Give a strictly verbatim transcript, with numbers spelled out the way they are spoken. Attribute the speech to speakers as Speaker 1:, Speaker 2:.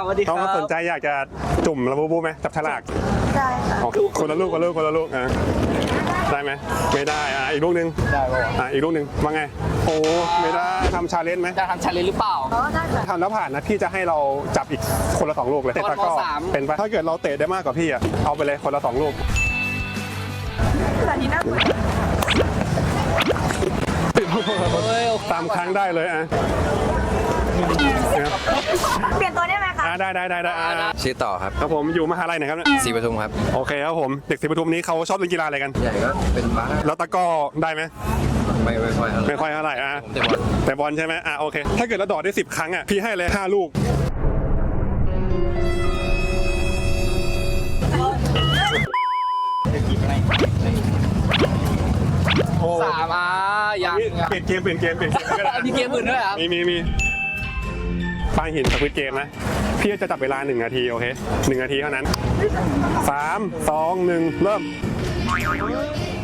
Speaker 1: สวัสดีครับ
Speaker 2: เขาสนใจอยากจะจุ่มระบูบูไหมจับฉลาก
Speaker 3: ได้ค่ะ
Speaker 2: อ๋อคนละลูกคนละลูกคนละลูกอ่ะได้ไหมไม่ได้อ่ะอีกลูกหนึง
Speaker 1: ได้ป่ะ
Speaker 2: อ่ะอีกลูกหนึงว่าไงโอ้ไม่ได้ทำชาเลนจ์ไหม
Speaker 1: จะทำชาเลนจ์หรือเปล่า
Speaker 3: อ๋อได้ค่ะ
Speaker 2: ทำแล้วผ่านนะพี่จะให้เราจับอีกคนละสองลูกเลยเตะตะกร้อ
Speaker 1: คนละสาม
Speaker 2: เป็นปะถ้าเกิดเราเตะได้มากกว่าพี่อ่ะเอาไปเลยคนละสองลูก
Speaker 3: แต่นี้น่ากลัว
Speaker 1: เฮ้ย
Speaker 2: ตามครั้งได้เลยอ่ะ
Speaker 3: เปลี่ยนตัวได้ไหมคะ
Speaker 2: อ่ะได้ได้ได้ได้อ่ะ
Speaker 4: ชื่อต่อครับ
Speaker 2: ครับผมอยู่มหาลัยไหนครับเนี่ย
Speaker 4: ศรีปทุมครับ
Speaker 2: โอเคครับผมเด็กศรีปทุมนี้เขาชอบเล่นกีฬาอะไรกัน
Speaker 4: ใหญ่ก็เป็นบาส
Speaker 2: แล้วตะกร้อได้ไหม
Speaker 4: ไม่ไม่ค่อยเท่าไหร่
Speaker 2: ไม่ค่อยเท่าไหร่อ่ะ
Speaker 4: ผมแต่บอล
Speaker 2: แต่บอลใช่ไหมอ่ะโอเค ถ้าเกิดเราดอดได้สิบครั้งอ่ะพี่ให้เลยห้าลูกโอ้
Speaker 1: สามอ่ะยัง
Speaker 2: เปลี่ยนเกมเปลี่ยนเกมเปลี่ยนเกมก็ได้
Speaker 1: มีเกมอื่นด้วยครับ
Speaker 2: มีมีมีปลาหินสควิดเกมนะพี่จะจับเวลาหนึ่งนาทีโอเคหนึ่งนาทีเท่านั้นสามสองหนึ่งเริ่ม